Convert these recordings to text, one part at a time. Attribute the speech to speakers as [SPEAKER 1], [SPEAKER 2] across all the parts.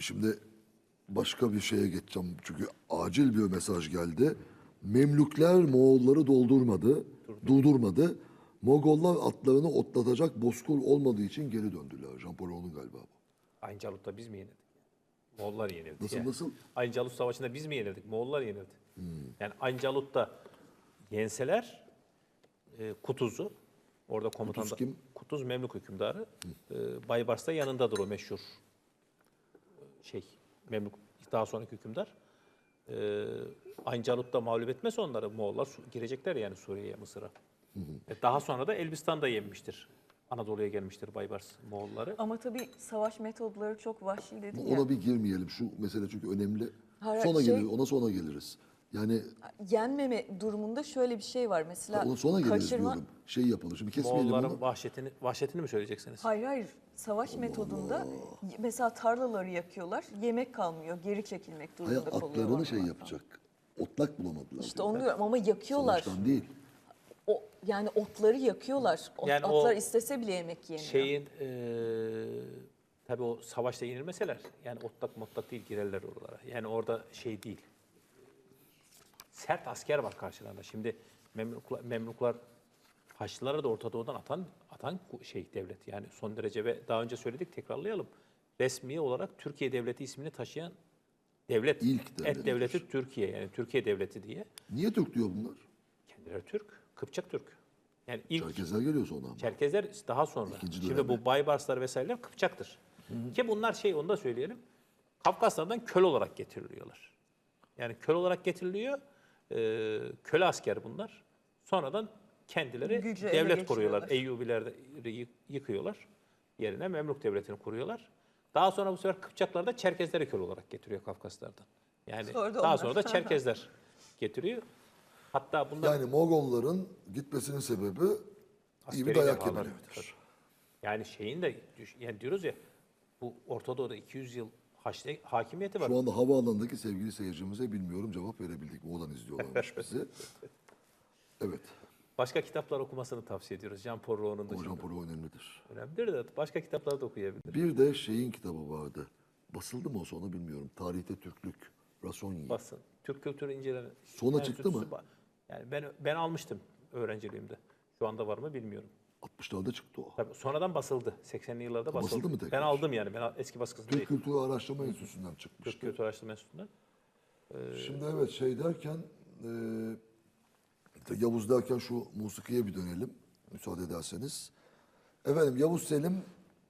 [SPEAKER 1] Şimdi başka bir şeye geçeceğim. Çünkü acil bir mesaj geldi. Memlükler Moğolları durdurmadı. Mogollar atlarını otlatacak bozkır olmadığı için geri döndüler. Jean-Paul galiba bu.
[SPEAKER 2] Ayncalık'ta biz mi yenildik? Moğollar yenildi.
[SPEAKER 1] Nasıl,
[SPEAKER 2] yani.
[SPEAKER 1] nasıl?
[SPEAKER 2] Ayncalut Savaşı'nda biz mi yenildik? Moğollar yenildi. Yani Ayncalık'ta yenseler Kutuz'u, orada komutan
[SPEAKER 1] Kutuz kim?
[SPEAKER 2] Kutuz Memlük hükümdarı. Baybars da yanındadır o meşhur Memlük daha sonraki hükümdar. Ayncalık'ta mağlup etmezse onları Moğollar girecekler yani Suriye'ye, Mısır'a. Daha sonra da Elbistan'da yenmiştir. Anadolu'ya gelmiştir Baybars Moğolları.
[SPEAKER 3] Ama tabii savaş metodları çok vahşi dedin ya.
[SPEAKER 1] Ona bir girmeyelim. Şu mesele çünkü önemli.
[SPEAKER 3] Hayır,
[SPEAKER 1] Ona sonra geliriz. Yani
[SPEAKER 3] Yenmeme durumunda şöyle bir şey var. Mesela
[SPEAKER 1] ona sonra geliriz diyorum. Şey yapalım. Şimdi kesmeyelim
[SPEAKER 2] Moğolların
[SPEAKER 1] onu.
[SPEAKER 2] vahşetini mi söyleyeceksiniz?
[SPEAKER 3] Hayır. Savaş metodunda mesela tarlaları yakıyorlar. Yemek kalmıyor. Geri çekilmek
[SPEAKER 1] Hayır,
[SPEAKER 3] durumunda kalıyorlar.
[SPEAKER 1] atlarını şey yapacak. Otlak bulamadılar.
[SPEAKER 3] İşte onu diyorum ama yakıyorlar.
[SPEAKER 1] Savaştan değil.
[SPEAKER 3] Yani otları yakıyorlar.
[SPEAKER 2] Yani
[SPEAKER 3] Atlar
[SPEAKER 2] o
[SPEAKER 3] istese bile yemek yemiyor.
[SPEAKER 2] Tabii o savaşta yenilmeseler yani otlak değil girerler oralara. Yani orada şey değil. Sert asker var karşılarında. Şimdi Memluklar Haçlılara da Orta Doğu'dan atan devlet. Yani son derece ve daha önce söyledik tekrarlayalım. Resmi olarak Türkiye Devleti ismini taşıyan devlet.
[SPEAKER 1] İlk devlet.
[SPEAKER 2] Et devleti Türkiye yani Türkiye Devleti diye.
[SPEAKER 1] Niye Türk diyor bunlar?
[SPEAKER 2] Kendileri Türk, Kıpçak Türk. Yani ilk
[SPEAKER 1] Çerkezler geliyor sonra ama.
[SPEAKER 2] Çerkezler daha sonra.
[SPEAKER 1] İkinci
[SPEAKER 2] Şimdi
[SPEAKER 1] dönemi.
[SPEAKER 2] bu Baybarslar vesaireler Kıpçaktır. Ki bunlar onu da söyleyelim. Kafkaslardan köle olarak getiriliyorlar. Yani köle olarak getiriliyor. Köle asker bunlar. Sonradan kendileri
[SPEAKER 3] Gücü ele
[SPEAKER 2] devlet kuruyorlar.
[SPEAKER 3] geçiriyorlar.
[SPEAKER 2] Eyyubileri yıkıyorlar. Yerine Memlük devletini kuruyorlar. Daha sonra bu sefer Kıpçaklar da Çerkezleri köle olarak getiriyor Kafkaslardan. Yani
[SPEAKER 3] Sonra da
[SPEAKER 2] daha
[SPEAKER 3] onlar.
[SPEAKER 2] sonra da Çerkezler getiriyor. Hatta bunlar
[SPEAKER 1] Yani Mogolların gitmesinin sebebi iyi
[SPEAKER 2] askeri
[SPEAKER 1] bir dayak
[SPEAKER 2] defalar.
[SPEAKER 1] yemeleridir.
[SPEAKER 2] Yani yani diyoruz ya bu Orta Doğu'da 200 yıl Haçlı hakimiyeti var.
[SPEAKER 1] Şu anda havaalanındaki sevgili seyircimize bilmiyorum cevap verebildik mi? Oradan izliyorlarmış bizi. Evet.
[SPEAKER 2] Başka kitaplar okumasını tavsiye ediyoruz. Jean-Paul Rouault'un dışında.
[SPEAKER 1] Jean-Paul önemlidir.
[SPEAKER 2] Önemlidir de başka kitapları da okuyabilir.
[SPEAKER 1] Bir de şeyin kitabı vardı. Basıldı mı o sonra bilmiyorum. Tarihte Türklük. Rasonyi.
[SPEAKER 2] Basın. Türk kültürü inceleme.
[SPEAKER 1] Sonra çıktı mı?
[SPEAKER 2] Yani ben almıştım öğrenciliğimde. Şu anda var mı bilmiyorum.
[SPEAKER 1] 60'larda çıktı o.
[SPEAKER 2] Tabii sonradan basıldı. 80'li yıllarda basıldı.
[SPEAKER 1] Basıldı mı tekrar?
[SPEAKER 2] Ben aldım yani. Ben eski baskısında
[SPEAKER 1] Türk
[SPEAKER 2] değil.
[SPEAKER 1] Kültürü Araştırma Enstitüsü'nden çıkmıştı.
[SPEAKER 2] Türk Kültür Araştırma Enstitüsü'nden.
[SPEAKER 1] Şimdi evet şey derken Yavuz derken şu musikiye bir dönelim müsaade ederseniz. Efendim Yavuz Selim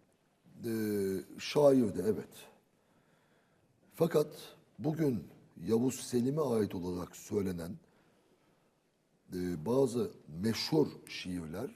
[SPEAKER 1] şairdi evet. Fakat bugün Yavuz Selim'e ait olarak söylenen bazı meşhur şiirler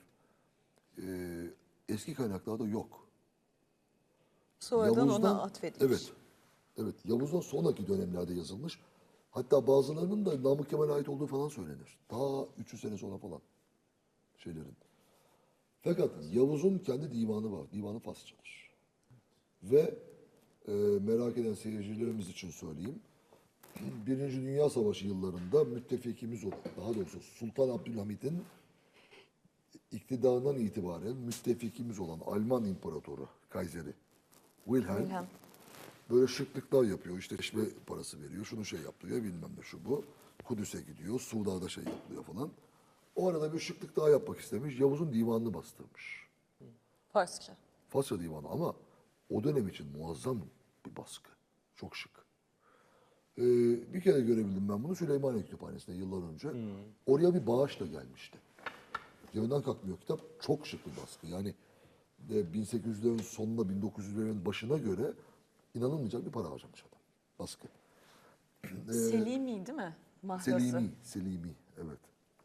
[SPEAKER 1] eski kaynaklarda yok.
[SPEAKER 3] Sonradan ona atfedilmiş.
[SPEAKER 1] Evet. Evet. Yavuz'dan sonraki dönemlerde yazılmış. Hatta bazılarının da Namık Kemal'e ait olduğu falan söylenir. Ta 300 sene sonra falan şeylerin. Fakat Yavuz'un kendi divanı var. Divanı Farsçadır. Ve merak eden seyircilerimiz için söyleyeyim. Birinci Dünya Savaşı yıllarında müttefikimiz olan, daha doğrusu Sultan Abdülhamid'in iktidarından itibaren müttefikimiz olan Alman İmparatoru, Kayseri Wilhelm böyle şıklıklar yapıyor. İşte içme parası veriyor. Şunu şey yaptırıyor bilmem ne şu bu. Kudüs'e gidiyor. Suuda'da şey yapılıyor falan. O arada bir şıklık daha yapmak istemiş. Yavuz'un divanını bastırmış.
[SPEAKER 3] Farsça.
[SPEAKER 1] Farsça divanı ama o dönem için muazzam bir baskı. Çok şık. Bir kere görebildim ben bunu Süleymaniye Kütüphanesi'nde yıllar önce. Oraya bir bağışla gelmişti. Yerinden kalkmıyor kitap. Çok şık bir baskı. Yani 1800'lerin sonunda 1900'lerin başına göre inanılmayacak bir para harcamış adam. Baskı.
[SPEAKER 3] Selimi değil mi? Mahrası.
[SPEAKER 1] Selimi, evet.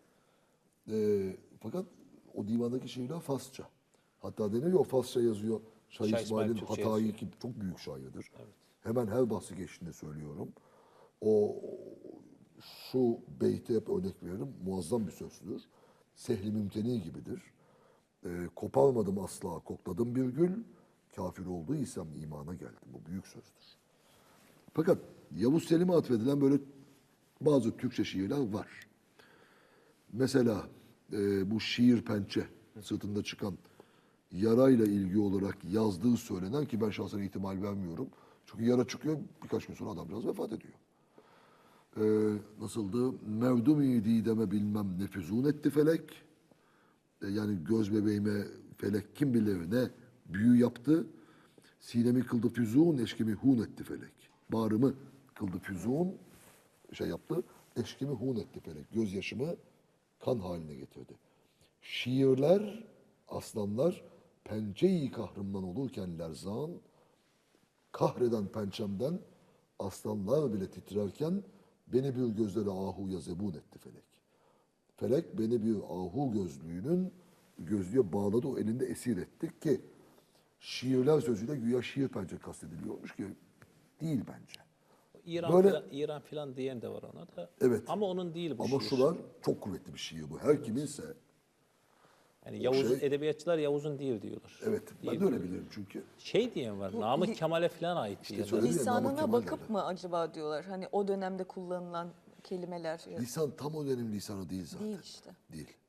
[SPEAKER 1] Fakat o divandaki şiirler Farsça. Hatta denir ya o Farsça yazıyor. Şah
[SPEAKER 2] Şah
[SPEAKER 1] İsmail'in
[SPEAKER 2] İsmail Türkçe
[SPEAKER 1] Hatay'ı
[SPEAKER 2] yazıyor.
[SPEAKER 1] ki çok büyük şairdir. Evet. Hemen her bahsi geçtiğinde söylüyorum. O şu beyti hep örnek veririm. Muazzam bir sözdür. Sehli mümteni gibidir. Koparmadım asla kokladım bir gül. Kafir olduğu isem imana geldim. Bu büyük sözdür. Fakat Yavuz Selim'e atfedilen böyle bazı Türkçe şiirler var. Mesela bu şiir pençe sırtında çıkan yarayla ilgili olarak yazdığı söylenen ki ben şahsen ihtimal vermiyorum. Çünkü yara çıkıyor, birkaç gün sonra adam biraz vefat ediyor. Nasıldı? Mevdum-i dideme bilmem ne füzun etti felek. Yani göz bebeğime felek kim bilir ne büyü yaptı. Sinemi kıldı füzun, eşkimi hun etti felek. Bağrımı kıldı füzun, şey yaptı. Eşkimi hun etti felek. Gözyaşımı kan haline getirdi. Şiirler, aslanlar, pençe-i kahrımdan olurken lerzan, kahreden pençemden aslanlar bile titrerken beni bir gözleri ahuya zebun etti felek. Felek beni bir ahu gözlüğe bağladı, o elinde esir ettik ki şiirler sözüyle güya şiir pençe kastediliyormuş ki değil bence.
[SPEAKER 2] İran filan diyen de var ona da.
[SPEAKER 1] Evet.
[SPEAKER 2] Ama onun değil bu
[SPEAKER 1] Ama
[SPEAKER 2] şiir.
[SPEAKER 1] şular çok kuvvetli bir şiir bu. Her kiminse
[SPEAKER 2] Yani Yavuz,
[SPEAKER 1] şey-
[SPEAKER 2] edebiyatçılar Yavuz'un değil diyorlar.
[SPEAKER 1] evet ben de öyle bilirim çünkü.
[SPEAKER 2] Şey diyen var, Namık Kemal'e falan ait diye.
[SPEAKER 1] söyledim ya, Namık
[SPEAKER 3] Lisanına
[SPEAKER 1] Kemal
[SPEAKER 3] bakıp
[SPEAKER 1] derler.
[SPEAKER 3] mı acaba diyorlar? Hani o dönemde kullanılan kelimeler
[SPEAKER 1] Lisan tam o dönem lisanı değil zaten.
[SPEAKER 3] değil işte.
[SPEAKER 1] Değil.